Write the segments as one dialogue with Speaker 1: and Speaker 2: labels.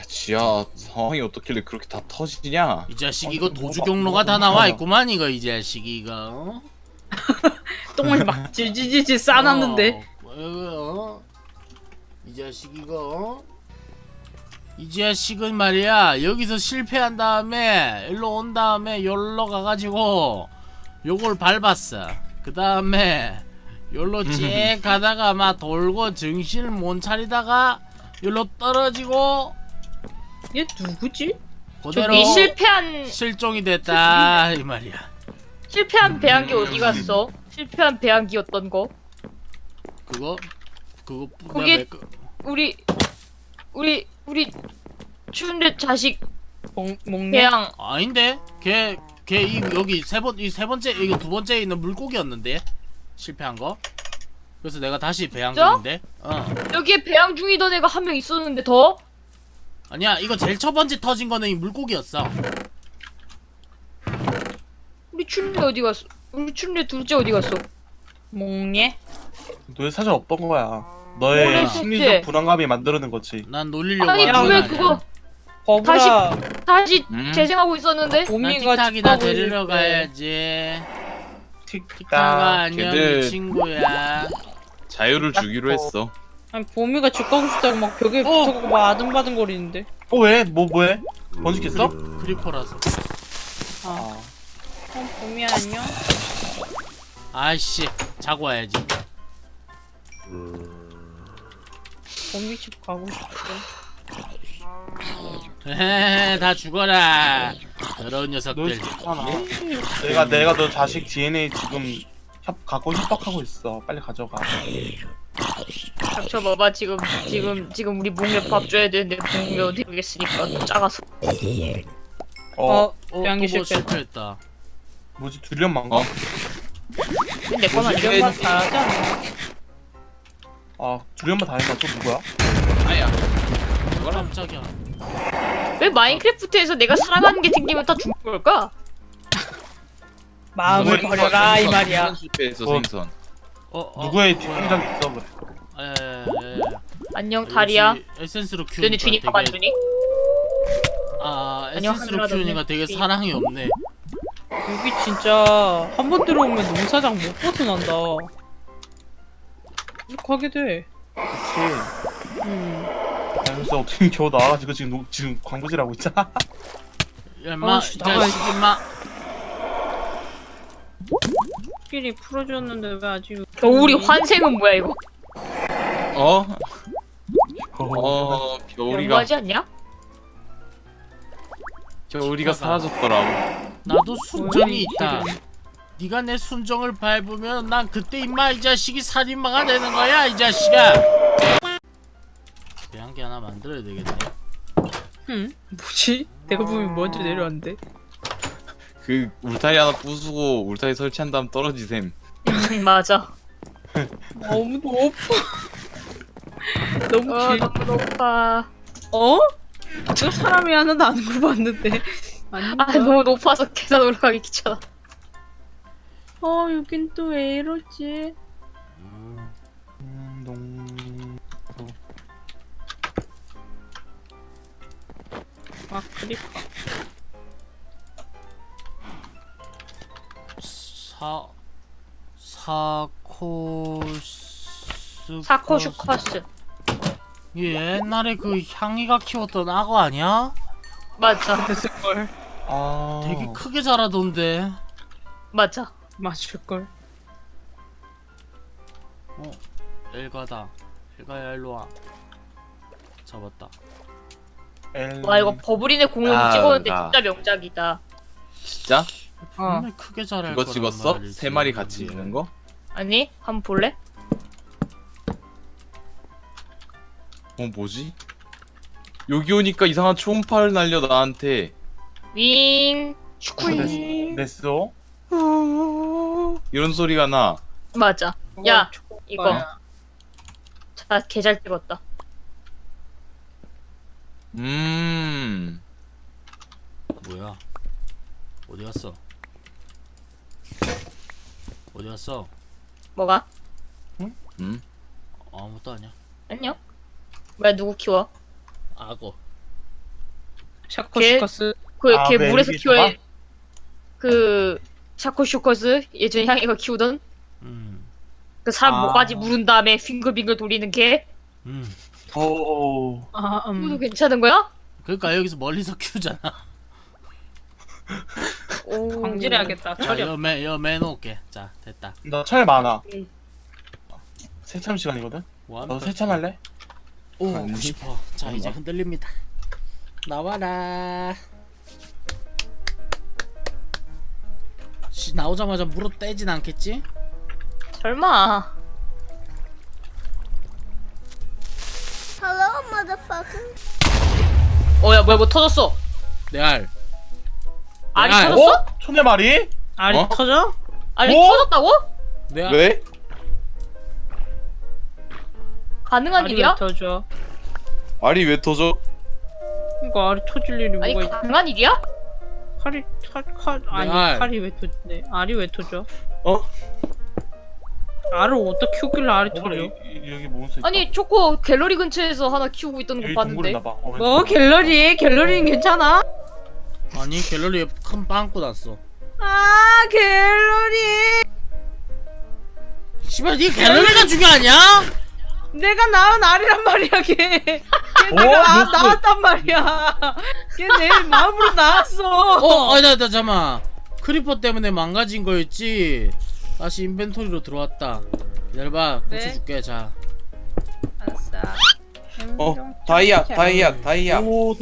Speaker 1: 지하 상황이 어떻길래 그렇게 다 터지냐?
Speaker 2: 이 자식 이거 도주 경로가 다 나와 있구만 이거 이 자식 이거.
Speaker 3: 똥을 막 질질질질 싸놨는데.
Speaker 2: 이 자식 이거. 이 자식은 말이야 여기서 실패한 다음에 일로 온 다음에 여기로 가가지고 요걸 밟았어. 그 다음에 여기로 쭉 가다가 막 돌고 정신을 못 차리다가 여기로 떨어지고
Speaker 3: 얘 누구지?
Speaker 2: 그대로
Speaker 4: 이 실패한
Speaker 2: 실종이 됐다 이 말이야.
Speaker 4: 배양기 어디 갔어? 실패한 배양기였던 거.
Speaker 2: 그거
Speaker 4: 그게 우리 추운데 자식
Speaker 3: 먹네.
Speaker 4: 배양
Speaker 2: 아닌데 걔 여기 이 세 번째 이거 두 번째에 있는 물고기였는데 실패한 거. 그래서 내가 다시 배양 중인데.
Speaker 4: 여기에 배양 중이던 애가 한 명 있었는데 더?
Speaker 2: 아니야 이거 제일 첫 번째 터진 거는 이 물고기였어.
Speaker 4: 우리 춘래 어디 갔어? 우리 춘래 둘째 어디 갔어?
Speaker 3: 먹네.
Speaker 5: 너의 사정 없던 거야.
Speaker 4: 뭐래,
Speaker 5: 너의
Speaker 4: 셋째.
Speaker 5: 심리적 불안감이 만들어낸 거지.
Speaker 2: 난 놀리려고
Speaker 4: 아니
Speaker 2: 하는 건
Speaker 4: 왜
Speaker 2: 아니야.
Speaker 4: 그거
Speaker 3: 버블아.
Speaker 4: 다시 재생하고 있었는데?
Speaker 2: 난
Speaker 3: 봄이가
Speaker 2: 틱탁이나
Speaker 3: 축하해
Speaker 2: 데리러
Speaker 3: 줄게.
Speaker 2: 가야지. 틱탁아
Speaker 5: 틱딱.
Speaker 2: 안녕
Speaker 1: 걔들-
Speaker 2: 친구야.
Speaker 1: 자유를 주기로 했어.
Speaker 3: 아니 봄이가 집 가고 싶다고 막 벽에 붙어가고 막 아등바등 거리는데.
Speaker 5: 왜? 뭐해? 번식했어?
Speaker 2: 크리퍼라서.
Speaker 3: 아. 봄이야 안녕.
Speaker 2: 아이씨 자고 와야지.
Speaker 3: 봄이 집 가고 싶대.
Speaker 2: 헤헤헤 다 죽어라. 더러운
Speaker 5: 너
Speaker 2: 녀석들.
Speaker 5: 좋잖아. 내가 너 자식 DNA 지금 갖고 협박하고 있어. 빨리 가져가.
Speaker 4: 닥쳐봐봐 지금 우리 몽에 밥 줘야 되는데 몽이 어디 가겠으니까 작아서.
Speaker 3: 배양기
Speaker 2: 또뭐
Speaker 3: 실패.
Speaker 2: 실패했다.
Speaker 5: 뭐지? 둘련만가?
Speaker 1: 어?
Speaker 4: 내 거만
Speaker 5: 뭐지?
Speaker 3: 이런 거 잘하지 않나?
Speaker 5: 둘련만 다 했나? 또 누구야?
Speaker 1: 아야.
Speaker 2: 깜짝이야.
Speaker 4: 왜 마인크래프트에서 내가 사랑하는 게 생기면 다 죽는 걸까?
Speaker 3: 마음을 버려라 이 말이야.
Speaker 1: 실패해서
Speaker 5: 어.
Speaker 1: 생선.
Speaker 5: 누구의
Speaker 2: 뭐야.
Speaker 5: 뒷공작이 있어? 그래.
Speaker 2: 예.
Speaker 4: 안녕 다리야.
Speaker 2: 에센스로
Speaker 4: 너네
Speaker 2: 키우니까
Speaker 4: 주니 밥 안 주니?
Speaker 2: 에센스로
Speaker 4: 하늘아,
Speaker 2: 키우니까
Speaker 4: 너네
Speaker 2: 되게
Speaker 4: 주니.
Speaker 2: 사랑이 없네.
Speaker 3: 여기 진짜 한 번 들어오면 농사장 못 벗어난다. 이렇게 하게 돼.
Speaker 5: 그치. 그래서 어떻게 겨우 나와가지고 지금 광고질하고 있잖아.
Speaker 2: 야, 인마, 이
Speaker 3: 씨,
Speaker 2: 자식, 인마.
Speaker 3: 끼리 풀어줬는데 왜 아직
Speaker 4: 겨울이 환생은 뭐야 이거?
Speaker 1: 겨울이가
Speaker 4: 너무하지 않냐?
Speaker 1: 사라졌더라고.
Speaker 2: 나도 순정이
Speaker 3: 원래
Speaker 2: 있다. 네가 내 순정을 밟으면 난 그때 인마 이 자식이 살인마가 되는 거야 이 자식아. 배양기 하나 만들어야 되겠네.
Speaker 3: 뭐지? 내가 보면 먼저 내려왔는데.
Speaker 1: 그 울타리 하나 부수고 울타리 설치한 다음 떨어지셈.
Speaker 4: 맞아.
Speaker 3: 너무 높아. 너무 길.
Speaker 4: 너무 높아.
Speaker 3: 어? 저 사람이 하나도 안 굴봤는데. 아닌가?
Speaker 4: 너무 높아서 계단 올라가기 귀찮아.
Speaker 3: 여긴 또 왜 이러지? 크리퍼.
Speaker 4: 사코슈커스.
Speaker 2: 옛날에 그 향이가 키웠던 악어 아니야?
Speaker 4: 맞아.
Speaker 3: 됐을걸.
Speaker 2: 되게 크게 자라던데.
Speaker 4: 맞아.
Speaker 3: 맞을걸.
Speaker 2: 엘가다. 엘가야 일로와. 잡았다.
Speaker 4: 와 이거 버블인의 공룡 찍었는데 진짜 명작이다.
Speaker 1: 진짜?
Speaker 2: 분명히 크게 자랄
Speaker 1: 그거
Speaker 2: 거란
Speaker 1: 찍었어?
Speaker 2: 말이지.
Speaker 1: 세 마리 같이 있는 거?
Speaker 4: 아니 한번 볼래?
Speaker 1: 뭐지? 여기 오니까 이상한 초음파를 날려 나한테.
Speaker 4: 윙 슈쿠이.
Speaker 5: 냈어?
Speaker 1: 이런 소리가 나.
Speaker 4: 맞아. 야 이거
Speaker 3: 초코파야.
Speaker 4: 자 개 잘 찍었다.
Speaker 2: 뭐야? 어디 갔어? 어디 갔어?
Speaker 4: 뭐가?
Speaker 2: 아무것도 아니야.
Speaker 4: 안녕. 왜 누구 키워?
Speaker 2: 악어.
Speaker 3: 샤코슈커스.
Speaker 4: 걔
Speaker 5: 왜
Speaker 4: 물에서
Speaker 5: 이게
Speaker 4: 키워야 그 샤코슈커스 예전에 향이가 키우던 그 사람
Speaker 5: 아.
Speaker 4: 모가지 물은 다음에 빙글빙글 돌리는 걔.
Speaker 5: 오.
Speaker 3: 아,
Speaker 4: 그것도 괜찮은 거야?
Speaker 2: 그러니까 여기서 멀리서 키우잖아.
Speaker 4: 오.
Speaker 3: 광질해야겠다.
Speaker 2: 자,
Speaker 3: 처리.
Speaker 2: 여 매놓을게. 자, 됐다.
Speaker 5: 나 철 많아.
Speaker 4: 응.
Speaker 5: 세참 시간이거든.
Speaker 2: 원.
Speaker 5: 너 세참할래?
Speaker 2: 오,
Speaker 1: 아니.
Speaker 2: 하고 싶어. 자, 이제 흔들립니다. 나와라. 나오자마자 물어 떼진 않겠지?
Speaker 4: 설마. 어야 뭐야 뭐 터졌어.
Speaker 2: 내 알.
Speaker 4: 알이
Speaker 2: 알.
Speaker 4: 터졌어?
Speaker 5: 어? 초네 마리?
Speaker 3: 알이
Speaker 1: 어?
Speaker 3: 터져?
Speaker 4: 알이
Speaker 5: 뭐?
Speaker 4: 터졌다고?
Speaker 2: 내 알.
Speaker 1: 왜?
Speaker 4: 가능한
Speaker 3: 알이
Speaker 4: 일이야?
Speaker 3: 왜 터져?
Speaker 1: 알이 왜 터져?
Speaker 3: 이거 알이 터질 일이
Speaker 4: 아니
Speaker 3: 뭐가 있?
Speaker 4: 가능한 일이야?
Speaker 3: 칼 아니
Speaker 2: 알.
Speaker 3: 칼이 왜 터지네? 알이 왜 터져?
Speaker 1: 어?
Speaker 3: 알을 어디다 키우길래 알이
Speaker 5: 어,
Speaker 3: 터져?
Speaker 5: 여기 몬스터 있다.
Speaker 4: 아니 초코 갤러리 근처에서 하나 키우고 있던 거
Speaker 5: 여기
Speaker 4: 봤는데.
Speaker 5: 동굴 있나봐.
Speaker 3: 뭐 갤러리? 갤러리는 괜찮아?
Speaker 2: 아니, 갤러리에 큰 빵꾸 났어.
Speaker 3: 아 갤러리.
Speaker 2: 씨발, 니 갤러리가 중요하냐?
Speaker 3: 내가 낳은 알이란 말이야 걔. 걔 내가 낳았단 말이야. 걔 내 마음으로 낳았어.
Speaker 2: 아니다, 잠깐만. 크리퍼 때문에 망가진 거였지. 다시 인벤토리로 들어왔다. 기다려봐,
Speaker 3: 네?
Speaker 2: 고쳐줄게. 자,
Speaker 3: 알았어.
Speaker 1: 다이아.
Speaker 5: 오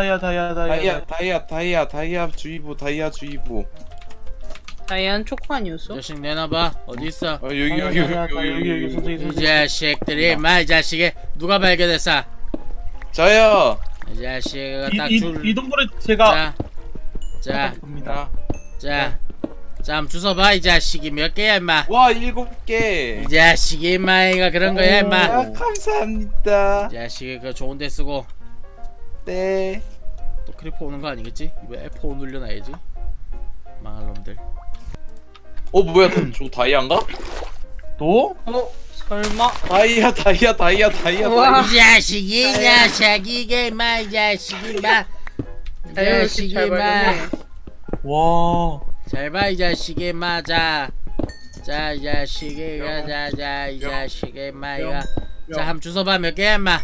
Speaker 5: 다이아 주의보.
Speaker 3: 다이안 초코 아니었어?
Speaker 2: 자식 내놔봐. 어디 있어?
Speaker 1: 여기
Speaker 5: 여기 선생님.
Speaker 2: 이 자식들이, 이 자식이 누가 발견했어?
Speaker 1: 저요.
Speaker 2: 이 자식이 딱
Speaker 5: 이
Speaker 2: 줄.
Speaker 5: 동굴에 제가
Speaker 2: 자,
Speaker 5: 봅니다.
Speaker 2: 자, 한번 주워봐. 이 자식이 몇 개야, 임마?
Speaker 1: 와 7개.
Speaker 2: 이 자식이 임마, 이가 그런 거야, 임마.
Speaker 1: 아, 감사합니다.
Speaker 2: 이 자식이 그 좋은데 쓰고.
Speaker 1: 네.
Speaker 2: 또 크리퍼 오는 거 아니겠지? 이거 F5 눌려놔야지. 망할 놈들.
Speaker 1: 뭐야? 저 다이아인가?
Speaker 5: 또?
Speaker 3: 설마?
Speaker 1: 다이아.
Speaker 3: 우와.
Speaker 2: 이 자식이, 임마, 이 자식이, 임마. 이 자식이,
Speaker 3: 잘
Speaker 2: 임마.
Speaker 3: 발견해.
Speaker 5: 와.
Speaker 2: 잘 봐, 이 자식이, 임마. 자, 이 자식이, 이 자식이, 임마, 이거. 자, 한번 주워봐. 몇 개야, 임마?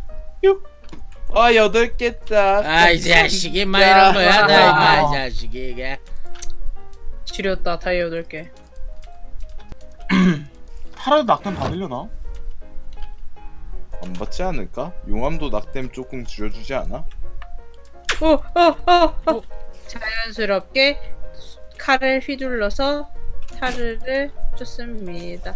Speaker 1: 8개다.
Speaker 2: 이 자식이, 임마, 이런 거야, 나, 임마, 이 자식이, 이게.
Speaker 3: 지렸다 다이아 8개.
Speaker 5: 하루도 낙담 받으려나?
Speaker 1: 안 받지 않을까? 용암도 낙뎀 조금 줄여주지 않아?
Speaker 3: 자연스럽게 칼을 휘둘러서 타르를 쫓습니다.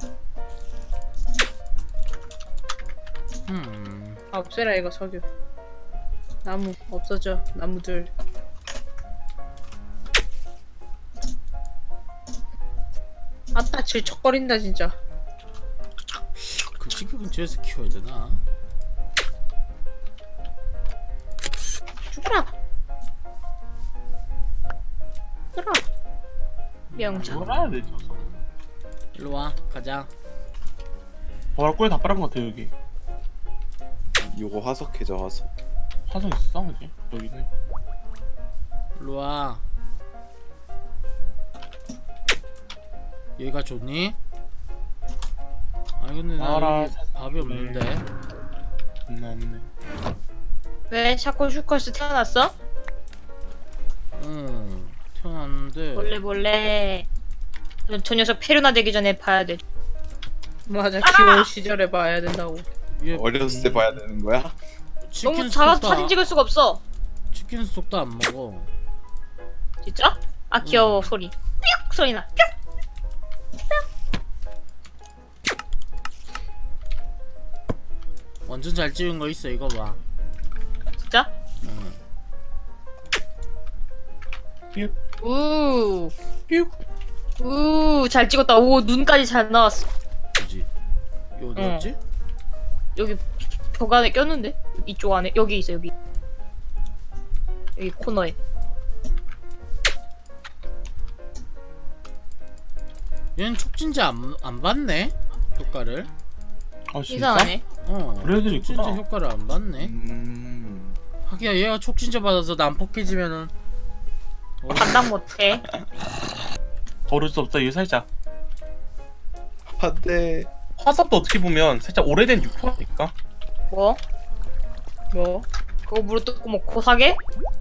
Speaker 3: 없애라 이거 석유. 나무 없어져. 나무들. 아따 질척거린다 진짜.
Speaker 2: 그 시계 근처에서 키워야 되나?
Speaker 3: 죽어라. 죽어라.
Speaker 4: 명장.
Speaker 5: 뭐라 해야 되지?
Speaker 2: 일로 와, 가자.
Speaker 5: 꼴에 다 빨은 것 같아 여기.
Speaker 1: 이거 화석해져 화석.
Speaker 5: 화성 있어 어디? 여기네.
Speaker 2: 일로 와. 여기가 좋니? 아니 근데 나
Speaker 5: 알아,
Speaker 2: 여기 밥이 없는데.
Speaker 5: 없네.
Speaker 4: 왜 샤코슈커스 태어났어?
Speaker 2: 응, 태어났는데.
Speaker 4: 몰래. 저 녀석 페르나 되기 전에 봐야 돼.
Speaker 3: 맞아 귀여운 시절에 봐야 된다고.
Speaker 2: 얘
Speaker 1: 어렸을 때 봐야 되는 거야?
Speaker 2: 치킨
Speaker 4: 너무 작아서
Speaker 2: 스톡도
Speaker 4: 사진 찍을 수가 없어.
Speaker 2: 치킨 스톡도 안 먹어.
Speaker 4: 진짜? 아 귀여워 소리. 뿅 소리 나. 뿅.
Speaker 2: 완전 잘 찍은 거 있어, 이거 봐.
Speaker 4: 진짜?
Speaker 2: 응.
Speaker 4: 우. 잘 찍었다. 오 눈까지 잘 나왔어.
Speaker 2: 그지? 이거 어디였지?
Speaker 4: 여기 벽 안에 꼈는데? 이쪽 안에 여기 있어 여기. 여기 코너에.
Speaker 2: 얘는 촉진제 안 받네? 효과를?
Speaker 5: 아 진짜?
Speaker 4: 이상하네.
Speaker 5: 그래도
Speaker 2: 촉진제
Speaker 5: 있구나.
Speaker 2: 효과를 안 받네? 하기야 얘가 촉진제 받아서 난폭해지면은
Speaker 4: 감당 못해.
Speaker 5: 버릴 수 없다. 이거 살짝
Speaker 1: 안돼.
Speaker 5: 화삽도 어떻게 보면 살짝 오래된 육포니까.
Speaker 4: 뭐?
Speaker 3: 뭐?
Speaker 4: 그거 무릎 뜯고 먹고 사게?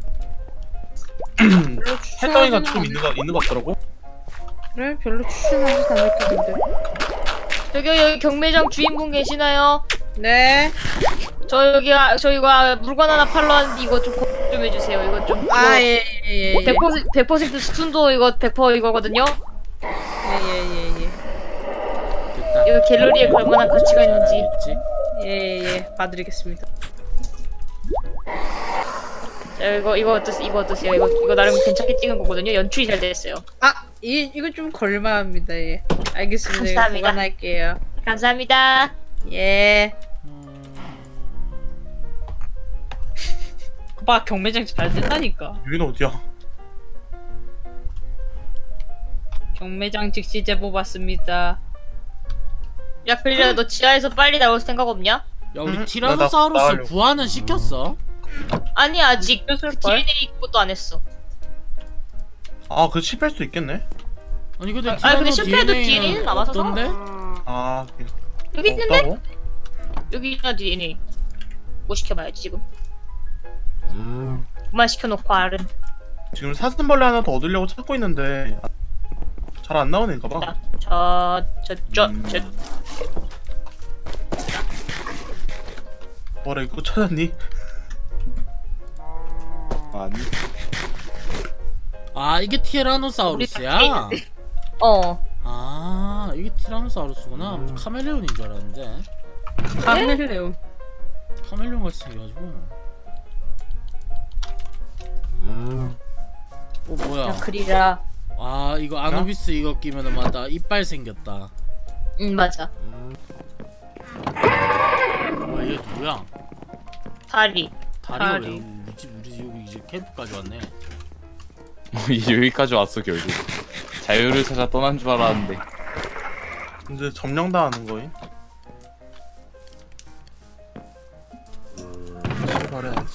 Speaker 3: 별로
Speaker 5: 햇덩이가
Speaker 3: 추천하지는
Speaker 5: 좀 있는 것 같더라고.
Speaker 3: 그래? 별로 추천하지 않을 텐데.
Speaker 4: 저기요 여기 경매장 주인분 계시나요?
Speaker 3: 네.
Speaker 4: 저희가 물건 하나 팔러 왔는데 이거 좀 좀 해주세요. 이거 좀
Speaker 3: 예예예.
Speaker 4: 100% 스툰도 이거 100% 이거거든요.
Speaker 3: 예예예.
Speaker 2: 됐다.
Speaker 4: 이거 갤러리에 걸만한 가치가 있는지.
Speaker 2: 있지?
Speaker 3: 예예. 봐드리겠습니다.
Speaker 4: 자, 이거 어떠세요? 이거 나름 괜찮게 찍은 거거든요. 연출이 잘 됐어요.
Speaker 3: 아, 이거 좀 걸만합니다. 예. 알겠습니다. 이거
Speaker 4: 감사합니다.
Speaker 3: 보관할게요.
Speaker 4: 감사합니다.
Speaker 3: 예.
Speaker 2: 음...
Speaker 3: 봐, 경매장 잘 된다니까.
Speaker 5: 여기는 어디야?
Speaker 3: 경매장 즉시 제보 받습니다.
Speaker 4: 야 그리라 너 지하에서 빨리 나올 생각 없냐?
Speaker 2: 야 우리
Speaker 5: 나
Speaker 2: 티라노사우루스
Speaker 5: 나가려고.
Speaker 2: 부화는 시켰어?
Speaker 4: 아니 아직 그
Speaker 3: 시켰을걸?
Speaker 4: DNA 그것도 안 했어.
Speaker 5: 아, 그 실패할 수도 있겠네.
Speaker 2: 아니 근데
Speaker 4: 아니, 근데 실패해도
Speaker 2: DNA는
Speaker 4: DNA는 남아서
Speaker 2: 없던데?
Speaker 5: 아,
Speaker 4: 여기 있는데?
Speaker 5: 없다고?
Speaker 4: 여기 있나 DNA. 뭐 시켜봐야지 지금. 그만 시켜놓고 알은.
Speaker 5: 지금 사슴벌레 하나 더 얻으려고 찾고 있는데 잘 안 나오는 가 봐.
Speaker 4: 저
Speaker 5: 뭐라 이거 찾았니?
Speaker 1: 아니.
Speaker 2: 아 이게 티라노사우루스야? 아 이게 티라노사우루스구나. 카멜레온인 줄 알았는데
Speaker 3: 카멜레온.
Speaker 2: 카멜레온 같이 생겨가지고. 뭐야?
Speaker 4: 야 그리라.
Speaker 2: 아 이거 아누비스 이거 끼면은 맞다 이빨 생겼다.
Speaker 4: 응 맞아.
Speaker 2: 뭐야 얘 누구야?
Speaker 4: 다리.
Speaker 2: 다리가 왜
Speaker 3: 다리.
Speaker 2: 우리 여기 이제 캠프까지 왔네.
Speaker 1: 이제 여기까지 왔어 결국. 자유를 찾아 떠난 줄 알았는데.
Speaker 5: 근데 점령당하는 거임? 말해야지.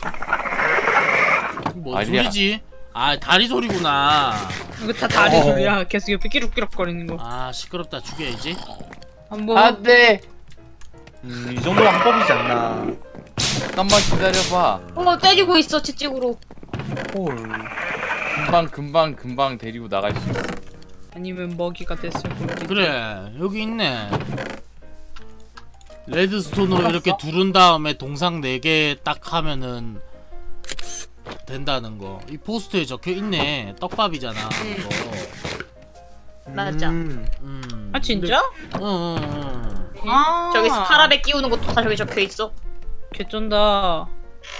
Speaker 2: 뭔
Speaker 1: 아니야.
Speaker 2: 소리지? 아 다리 소리구나.
Speaker 3: 이거 다 다리 소리야. 계속 옆에 끼룩끼룩거리는 거.
Speaker 2: 아 시끄럽다 죽여야지.
Speaker 3: 한번
Speaker 1: 안돼.
Speaker 5: 이 정도가 합법이지 않나.
Speaker 1: 잠깐만 기다려봐.
Speaker 4: 때리고 있어 채찍으로.
Speaker 5: 헐.
Speaker 1: 금방 데리고 나갈 수 있어.
Speaker 3: 아니면 먹이가 됐을 거지.
Speaker 2: 그래 여기 있네. 레드스톤으로 이렇게 두른 다음에 동상 4개 딱 하면은 된다는 거. 이 포스터에 적혀 있네. 떡밥이잖아. 이거.
Speaker 4: 맞아.
Speaker 3: 아 진짜?
Speaker 2: 응.
Speaker 3: 아
Speaker 4: 저기 스카라베 끼우는 것도 다 저기 적혀 있어.
Speaker 3: 개쩐다.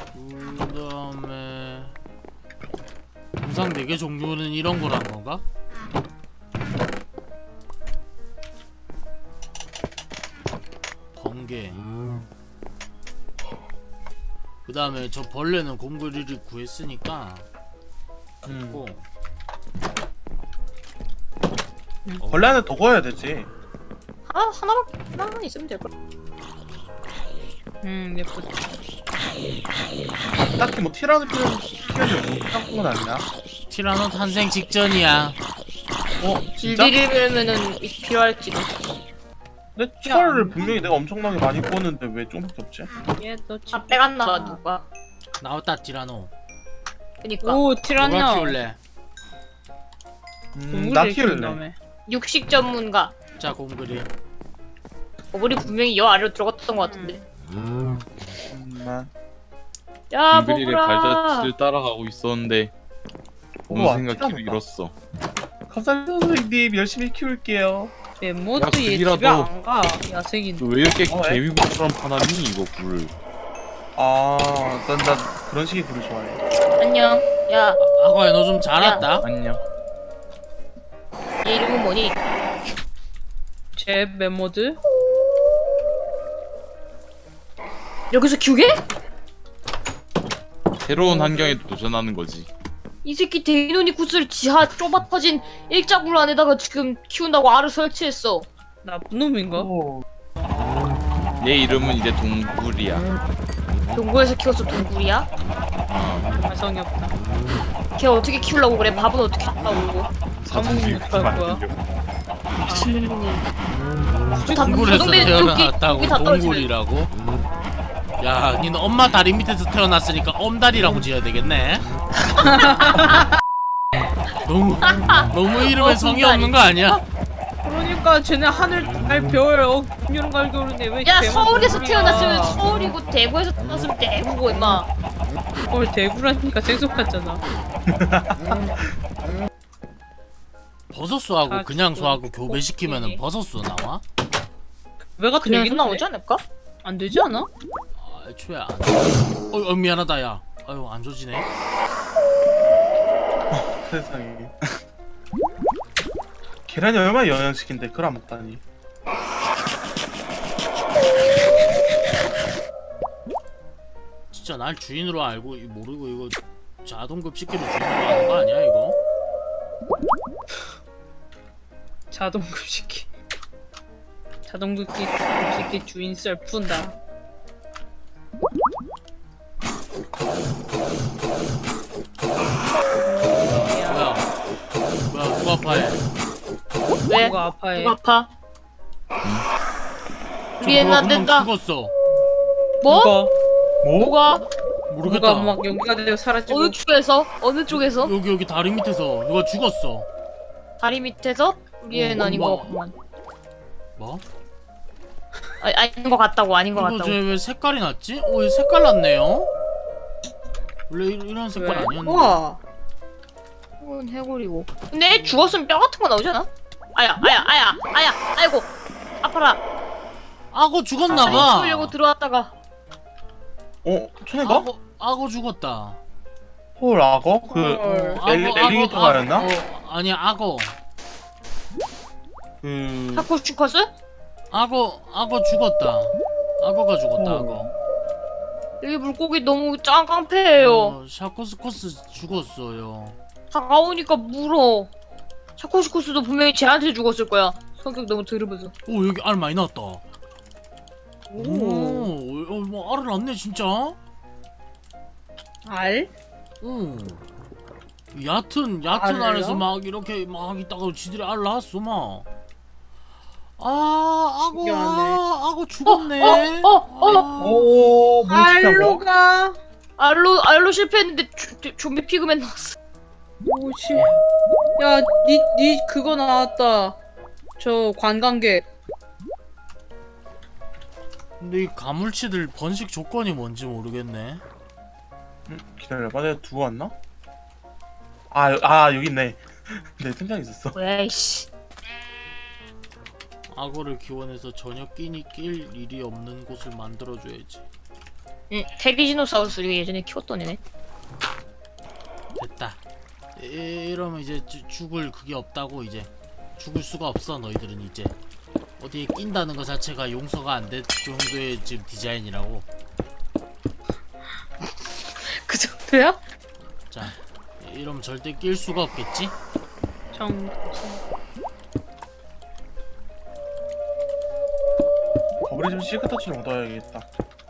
Speaker 2: 그다음에 동상 4개 종류는 이런 거란 건가? 번개. 그다음에 저 벌레는 곰돌이를 구했으니까 고
Speaker 5: 벌레 하나 더 구워야 되지.
Speaker 4: 하나만 있으면 될 걸.
Speaker 3: 예쁘다.
Speaker 5: 딱히 뭐 티라노 키우는 못한 건 아니야.
Speaker 2: 티라노 탄생 직전이야.
Speaker 5: 진짜?
Speaker 4: 질들이면은 필요할지도.
Speaker 5: 근데 철을 분명히 내가 엄청나게 많이 구웠는데 왜 조금밖에 없지?
Speaker 3: 얘도
Speaker 4: 다 빼갔나 누가.
Speaker 2: 나왔다 티라노.
Speaker 4: 그니까
Speaker 3: 오
Speaker 2: 누가
Speaker 3: 티라노.
Speaker 2: 키울래?
Speaker 5: 나 키울래.
Speaker 4: 육식 전문가.
Speaker 2: 자 곰돌이.
Speaker 4: 우리 분명히 여 아래로 들어갔던 것 같은데. 야
Speaker 1: 빙그릴의
Speaker 4: 먹으라.
Speaker 1: 발자취를 따라가고 있었는데
Speaker 5: 우와,
Speaker 1: 어느 생각 길을
Speaker 5: 티라노다.
Speaker 1: 잃었어.
Speaker 5: 감사합니다 선생님. 열심히 키울게요.
Speaker 3: 멤모도
Speaker 1: 야,
Speaker 3: 얘
Speaker 1: 그이라도-
Speaker 3: 집에 안 가. 야생인데.
Speaker 1: 왜 이렇게
Speaker 5: 왜?
Speaker 1: 개미굴처럼 파나니 이거 굴을.
Speaker 5: 난 그런 식의 글을 좋아해.
Speaker 4: 안녕. 야,
Speaker 2: 아과야 너 좀 잘했다.
Speaker 1: 안녕.
Speaker 4: 얘 이름은 뭐니?
Speaker 3: 제 멤모드?
Speaker 4: 여기서 기우게?
Speaker 1: 새로운 환경에 도전하는 거지.
Speaker 4: 이 새끼 데이노니쿠스를 지하 좁아 터진 일자굴 안에다가 지금 키운다고 알을 설치했어.
Speaker 3: 나쁜 놈인가?
Speaker 1: 얘 이름은 이제 동굴이야.
Speaker 4: 동굴에서 키워서 동굴이야?
Speaker 3: 가성이 없다.
Speaker 4: 걔 어떻게 키우려고 그래? 밥은 어떻게 키우려고?
Speaker 3: 사먹는 못할 거야.
Speaker 4: 미친놈이.
Speaker 2: 동굴에서
Speaker 4: 조동대
Speaker 2: 태어났다고
Speaker 4: 여기 다 떨어지네.
Speaker 2: 동굴이라고? 야, 니는 엄마 다리 밑에서 태어났으니까 엄다리라고 지어야 되겠네. 너무 이름에 성이
Speaker 4: 엄다리.
Speaker 2: 없는 거 아니야?
Speaker 3: 그러니까 쟤네 하늘 달 별, 금요일 갈겨울인데 왜?
Speaker 4: 야
Speaker 3: 대만
Speaker 4: 서울에서
Speaker 3: 동굴이야.
Speaker 4: 태어났으면 서울이고 대구에서 태어났으면 대구고 임마.
Speaker 3: 대구라니까 생소 같잖아.
Speaker 2: 버섯수하고
Speaker 3: 아,
Speaker 2: 그냥 수하고
Speaker 3: 그거
Speaker 2: 교배시키면은
Speaker 3: 코끼리.
Speaker 2: 버섯수 나와?
Speaker 3: 왜가
Speaker 4: 그냥
Speaker 3: 되긴
Speaker 4: 나오지 않을까?
Speaker 3: 안 되지 않아?
Speaker 2: 아, 애초에 안 미안하다 야. 아유 안 조지네.
Speaker 5: 세상에. 계란이 얼마나 영양식인데 그걸 안 먹다니.
Speaker 2: 진짜 날 주인으로 알고 모르고 이거 자동급식기로 주인으로 아는 거 아니야 이거?
Speaker 3: 자동급식기. 자동급식기 주인 썰 푼다.
Speaker 2: 뭐야 누가 아파해?
Speaker 4: 왜?
Speaker 3: 누가 아파해?
Speaker 4: 누가 아파?
Speaker 2: 저
Speaker 4: 위에는
Speaker 2: 누가
Speaker 4: 안
Speaker 2: 금방
Speaker 4: 된다.
Speaker 2: 죽었어.
Speaker 4: 뭐?
Speaker 3: 누가?
Speaker 4: 뭐가?
Speaker 2: 모르겠다.
Speaker 3: 누가 막 연기가 되고 사라지고.
Speaker 4: 어느 쪽에서? 어느 쪽에서?
Speaker 2: 여기 다리 밑에서 누가 죽었어.
Speaker 4: 다리 밑에서? 위에는 아닌 거
Speaker 2: 뭐.
Speaker 4: 같구만.
Speaker 2: 뭐?
Speaker 4: 아닌 거 같다고 아닌 거
Speaker 2: 이거
Speaker 4: 같다고.
Speaker 2: 쟤왜 색깔이 났지? 오, 얘 색깔 났네요. 원래 이런 색깔
Speaker 3: 왜?
Speaker 2: 아니었는데.
Speaker 3: 우와.
Speaker 4: 이건 해골이고. 근데 애 죽었으면 뼈 같은 거 나오지 않아? 아야 아이고 아파라.
Speaker 2: 악어 죽었나봐.
Speaker 4: 살려고 들어왔다가
Speaker 5: 천혜가?
Speaker 2: 악어 죽었다.
Speaker 5: 헐 악어?
Speaker 3: 헐.
Speaker 5: 엘리게이터가였나?
Speaker 2: 아니야 악어.
Speaker 4: 타코슈커스?
Speaker 2: 악어 죽었다. 악어가 죽었다.
Speaker 5: 어.
Speaker 2: 악어.
Speaker 4: 여기 물고기 너무 짱깡패예요.
Speaker 2: 샤코스코스 죽었어요.
Speaker 4: 다가오니까 물어. 타코슈커스도 분명히 쟤한테 죽었을 거야. 성격 너무 더러워서.
Speaker 2: 오 여기 알 많이 나왔다.
Speaker 3: 오.
Speaker 2: 뭐 알을 낳네 진짜.
Speaker 3: 알?
Speaker 2: 오. 얕은
Speaker 3: 알을요?
Speaker 2: 안에서 막 이렇게 막 있다가 지들이 알 낳았어 막. 악어
Speaker 3: 신기하네.
Speaker 2: 악어 죽었네.
Speaker 5: 오
Speaker 3: 알로가.
Speaker 4: 알로 실패했는데 좀비 피그맨 나왔어.
Speaker 3: 오씨. 야, 니 그거 나왔다. 저 관광객.
Speaker 2: 근데 이 가물치들 번식 조건이 뭔지 모르겠네.
Speaker 5: 기다려봐 내가 두고 왔나? 여기 있네. 내 생각에 있었어.
Speaker 4: 왜이씨.
Speaker 2: 악어를 기원해서 저녁 끼니 낄 일이 없는 곳을 만들어줘야지.
Speaker 4: 응, 테리지노사우루스 우리가 예전에 키웠던 애네.
Speaker 2: 됐다. 이러면 이제 죽을 그게 없다고. 이제 죽을 수가 없어. 너희들은 이제 어디에 낀다는 것 자체가 용서가 안 될 정도의 지금 디자인이라고.
Speaker 3: 그 정도야?
Speaker 2: 자 이러면 절대 낄 수가 없겠지?
Speaker 5: 거북이 좀 시크터치를 얻어야겠다.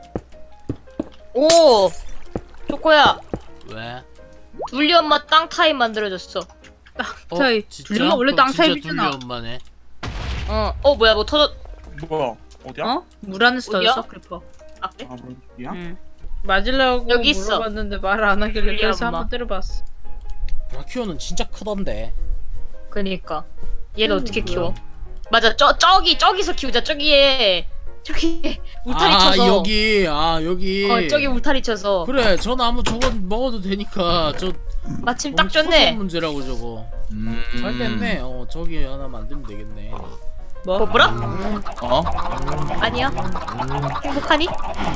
Speaker 4: 오! 초코야,
Speaker 2: 왜?
Speaker 4: 둘리 엄마 땅 타입 만들어줬어.
Speaker 3: 타입.
Speaker 2: 진짜?
Speaker 3: 둘리가 원래
Speaker 2: 그럼
Speaker 3: 땅
Speaker 2: 진짜
Speaker 3: 타입이잖아.
Speaker 2: 둘리 엄마네.
Speaker 4: 뭐야, 뭐 터졌.
Speaker 5: 뭐야 어디야?
Speaker 3: 어? 물 안에서
Speaker 4: 어디야?
Speaker 3: 터졌어, 크리퍼.
Speaker 4: 아, 그래?
Speaker 5: 뭐야?
Speaker 3: 응. 맞으려고
Speaker 4: 여기 있어.
Speaker 3: 물어봤는데 말을 안 하길래
Speaker 4: 둘리
Speaker 3: 그래서
Speaker 4: 엄마.
Speaker 3: 한번 때려봤어.
Speaker 2: 브라키오는 진짜 크던데.
Speaker 4: 그니까. 얘를 어떻게 키워? 맞아, 저기서 키우자, 저기에 울타리 쳐서.
Speaker 2: 여기.
Speaker 4: 저기 울타리 쳐서.
Speaker 2: 그래 저 나무 저거 먹어도 되니까. 저
Speaker 4: 마침 딱
Speaker 2: 초선
Speaker 4: 좋네.
Speaker 2: 문제라고 저거. 잘 됐네. 저기 하나 만들면 되겠네.
Speaker 3: 뭐?
Speaker 4: 뭐라?
Speaker 1: 어?
Speaker 4: 아니야. 행복하니?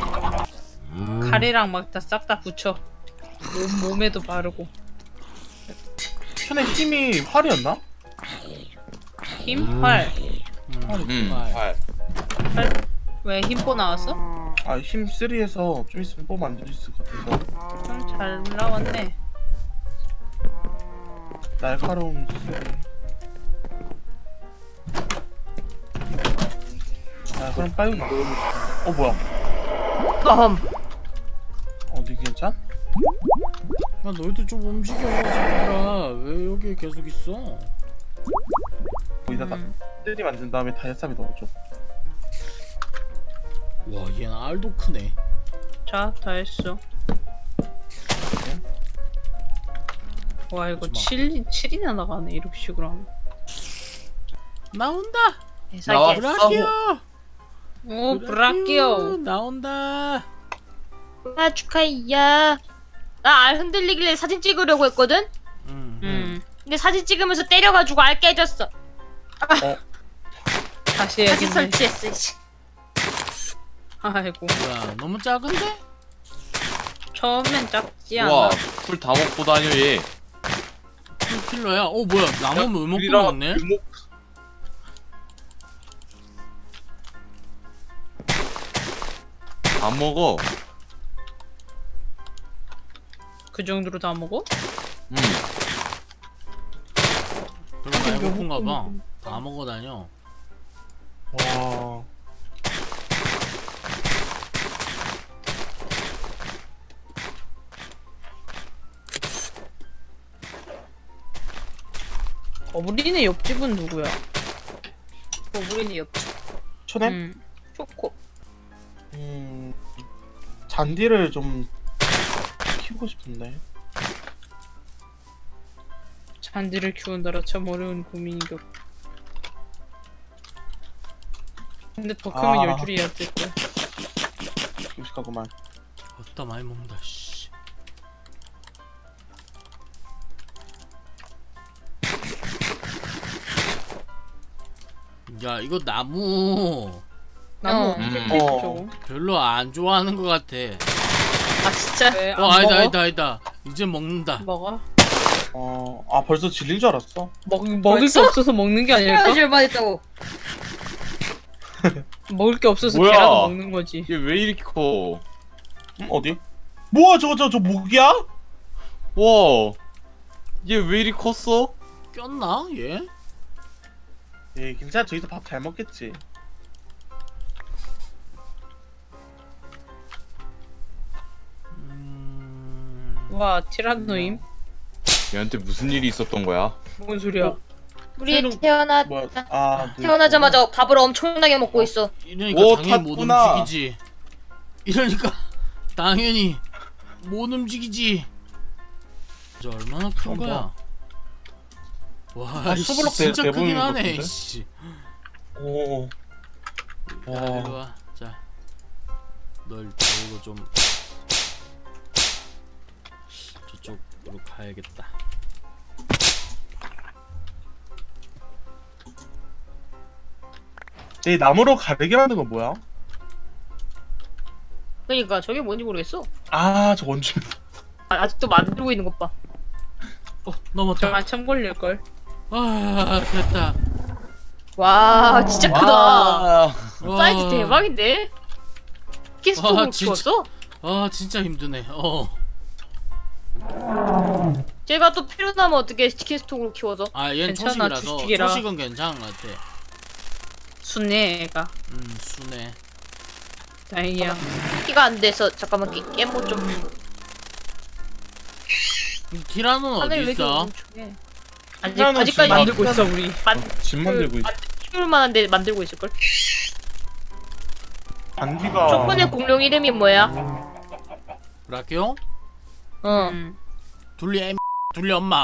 Speaker 3: 가래랑 막 다 싹 다 붙여. 몸에도 바르고.
Speaker 5: 천혜 힘이 활이었나?
Speaker 3: 힘? 활.
Speaker 1: 활.
Speaker 3: 왜 힘뽀 나왔어?
Speaker 5: 힘 3에서 좀 있으면 뽑 만들 수 있을 것 같아서.
Speaker 3: 좀 잘 나왔네.
Speaker 5: 날카로운 3. 그럼 빨리 나. 뭐야?
Speaker 4: 껌.
Speaker 5: 니 괜찮?
Speaker 2: 야 너희들 좀 움직여 새끼들아. 왜 여기 계속 있어?
Speaker 5: 거기다 다 뜰이 만든 다음에 다이아삽이 넣어줘.
Speaker 2: 와 얘는 알도 크네.
Speaker 3: 자, 다 했어. 와, 이거
Speaker 2: 하지마.
Speaker 3: 7이나 나가네, 이렇게 식으로 하면.
Speaker 2: 나온다.
Speaker 1: 나왔어.
Speaker 2: 브라키오.
Speaker 3: 오, 브라키오.
Speaker 2: 나온다.
Speaker 4: 아 축하이야. 나 알 흔들리길래 사진 찍으려고 했거든. 근데 사진 찍으면서 때려가지고 알 깨졌어.
Speaker 3: 다시
Speaker 4: 다시
Speaker 3: 해야겠네.
Speaker 4: 설치했어. 씨.
Speaker 3: 아이고.
Speaker 2: 뭐야 너무 작은데?
Speaker 3: 처음엔 작지 않아.
Speaker 1: 우와 풀 다 먹고 다녀 얘.
Speaker 2: 풀킬러야. 어 뭐야 나무 왜 먹고
Speaker 1: 우리랑
Speaker 2: 먹네?
Speaker 1: 묘목 다 먹어.
Speaker 3: 그 정도로 다 먹어?
Speaker 1: 음.
Speaker 2: 별로 많이 고픈가 봐. 다 먹어 다녀.
Speaker 5: 와.
Speaker 3: 우리네 옆집은 누구야?
Speaker 4: 우리는 옆.
Speaker 5: 초냄?
Speaker 4: 초코.
Speaker 5: 잔디를 좀 키우고 싶은데.
Speaker 3: 잔디를 키운다라 참 어려운 고민이고. 근데 더 크면
Speaker 5: 아.
Speaker 3: 열줄이야 어쨌든.
Speaker 5: 끔찍하구만.
Speaker 2: 어따 많이 먹는다. 씨. 야 이거 나무
Speaker 3: 나무
Speaker 1: 음.
Speaker 3: 저거.
Speaker 2: 별로 안 좋아하는 것 같아.
Speaker 3: 아 진짜? 왜, 안
Speaker 2: 아니다
Speaker 3: 먹어?
Speaker 2: 아니다 아니다. 이제 먹는다.
Speaker 3: 먹어?
Speaker 5: 아 벌써 질린 줄 알았어.
Speaker 3: 먹을 게 없어서 먹는 게 아닐까?
Speaker 4: 얼마 됐다고.
Speaker 3: 먹을 게 없어서
Speaker 1: 뭐야?
Speaker 3: 걔라도 먹는 거지.
Speaker 1: 얘 왜 이렇게 커?
Speaker 5: 어디? 뭐야 저거 모기야?
Speaker 1: 와. 얘 왜 이리 컸어?
Speaker 2: 꼈나 얘?
Speaker 5: 예, 괜찮아. 저기서 밥 잘 먹겠지.
Speaker 3: 와 티라노임?
Speaker 1: 얘한테 무슨 일이 있었던 거야?
Speaker 3: 뭔 소리야?
Speaker 4: 우리
Speaker 5: 새로-
Speaker 4: 태어나
Speaker 5: 뭐야?
Speaker 4: 태어나자마자 밥을 엄청나게 먹고 있어.
Speaker 2: 이러니까
Speaker 1: 오,
Speaker 2: 당연히 못
Speaker 1: 탔구나.
Speaker 2: 움직이지. 이러니까 당연히 못 움직이지. 저 얼마나 큰 거야? 와,
Speaker 5: 아,
Speaker 2: 이씨,
Speaker 5: 수블럭
Speaker 2: 진짜
Speaker 5: 대부분
Speaker 2: 크긴 하네.
Speaker 5: 같은데?
Speaker 2: 씨.
Speaker 5: 오.
Speaker 2: 야, 이리 와. 자, 널 데리고 좀 저쪽으로 가야겠다.
Speaker 5: 이 나무로 가르게 만든 건 뭐야?
Speaker 4: 그러니까 저게 뭔지 모르겠어.
Speaker 5: 아, 저 원주.
Speaker 4: 아직도 만들고 있는 것 봐.
Speaker 2: 넘었다.
Speaker 3: 저 한참 걸릴걸.
Speaker 2: 아, 됐다.
Speaker 4: 와 진짜 크다.
Speaker 1: 와.
Speaker 4: 사이즈 대박인데? 키스톡으로
Speaker 2: 와, 진짜.
Speaker 4: 키웠어?
Speaker 2: 아, 진짜 힘드네.
Speaker 4: 제가 또 필요하면 어떻게 키스톡으로 키워서?
Speaker 2: 아, 얘는
Speaker 3: 괜찮아,
Speaker 2: 초식이라서
Speaker 3: 주식이라.
Speaker 2: 초식은 괜찮은 것 같아.
Speaker 3: 순해 애가.
Speaker 2: 순해.
Speaker 3: 다행이야.
Speaker 4: 키가 안 돼서 잠깐만 깨모 좀.
Speaker 2: 티라노는 어디
Speaker 4: 하늘 왜 이렇게
Speaker 2: 있어?
Speaker 4: 멍청해?
Speaker 5: 티라노
Speaker 4: 아직까지
Speaker 5: 지금
Speaker 3: 만들고 있어 우리.
Speaker 5: 집 만들고 있어.
Speaker 4: 키울 만한데 만들고 있을 걸.
Speaker 5: 잔디가.
Speaker 4: 초코네 공룡 이름이 뭐야?
Speaker 2: 라키오?
Speaker 4: 어.
Speaker 2: 둘리 둘리 엄마.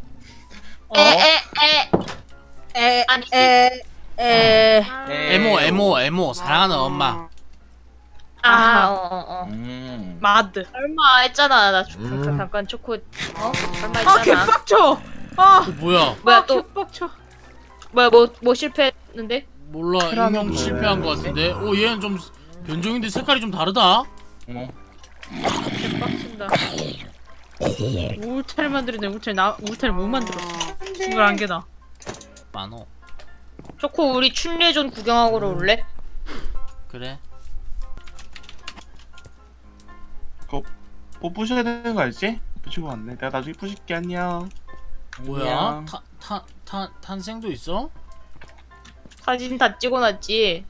Speaker 4: 에에에에 아니
Speaker 2: 에모 사랑하는 엄마.
Speaker 4: 아어어
Speaker 3: 마드.
Speaker 4: 설마 했잖아 나 잠깐 초코 설마
Speaker 3: 아
Speaker 4: 했잖아.
Speaker 3: 개빡쳐. 아
Speaker 2: 뭐야?
Speaker 4: 뭐야 또
Speaker 3: 개빡쳐.
Speaker 4: 뭐야 뭐 실패했는데?
Speaker 2: 몰라
Speaker 5: 티라노
Speaker 2: 인형 실패한 것 같은데. 오 얘는 좀 변종인데 색깔이 좀 다르다.
Speaker 3: 개빡친다. 울타리 만들었네. 울타리 못 만들었어. 싱글 한 개다.
Speaker 2: 많어.
Speaker 4: 초코 우리 춘례전 구경하러 올래?
Speaker 2: 그래.
Speaker 5: 뭐 부셔야 되는 거 알지? 부시고 왔네. 내가 나중에 부실게. 안녕.
Speaker 2: 뭐야?
Speaker 5: 안녕.
Speaker 2: 탄생도 있어?
Speaker 4: 사진 다 찍어놨지.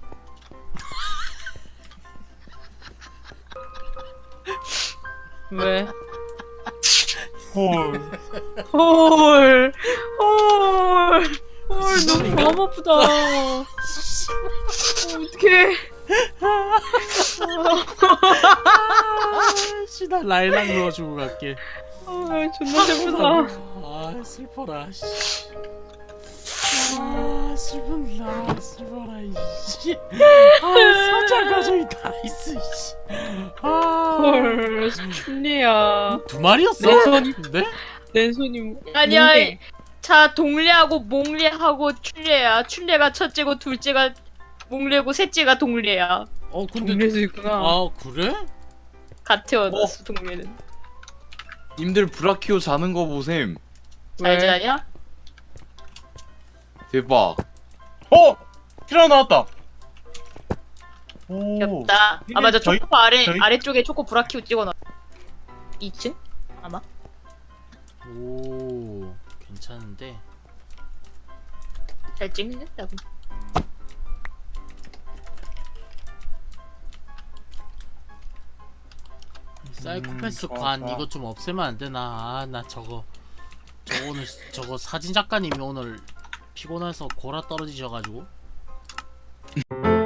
Speaker 3: 왜? 헐 너무 마음 아프다. 어떡해.
Speaker 2: 나 라일락 넣어주고 갈게.
Speaker 3: 존나 슬프다.
Speaker 2: 아 슬퍼라. 씨. 아 슬픈다. 슬퍼라. 이씨. 아 사자 가족이 다 있어. 씨. 아.
Speaker 3: 헐 춘리야.
Speaker 2: 두 마리였어? 네?
Speaker 3: 랜손이
Speaker 4: 아니야.
Speaker 3: 뭔데?
Speaker 4: 자 동리하고 몽리하고 춘례야. 춘례가 첫째고 둘째가 몽리고 셋째가 동리야.
Speaker 2: 근데
Speaker 3: 동네에서 있구나.
Speaker 2: 아 그래?
Speaker 4: 같아 얻었어 동리는.
Speaker 1: 님들 브라키오 자는 거 보셈.
Speaker 4: 잘 자냐?
Speaker 1: 대박.
Speaker 5: 피라 나왔다. 오.
Speaker 4: 귀엽다.
Speaker 5: 이게
Speaker 4: 아 맞아
Speaker 5: 저희-
Speaker 4: 초코
Speaker 5: 저희-
Speaker 4: 아래쪽에 초코 브라키오 찍어놔. 2층? 아마.
Speaker 2: 오 괜찮은데.
Speaker 4: 잘 찍는다고.
Speaker 2: 사이코패스
Speaker 5: 좋아,
Speaker 2: 관
Speaker 5: 좋아.
Speaker 2: 이거 좀 없애면 안 되나? 아 나 저거 오늘 저거 사진 작가님이 오늘 피곤해서 골아 떨어지셔가지고.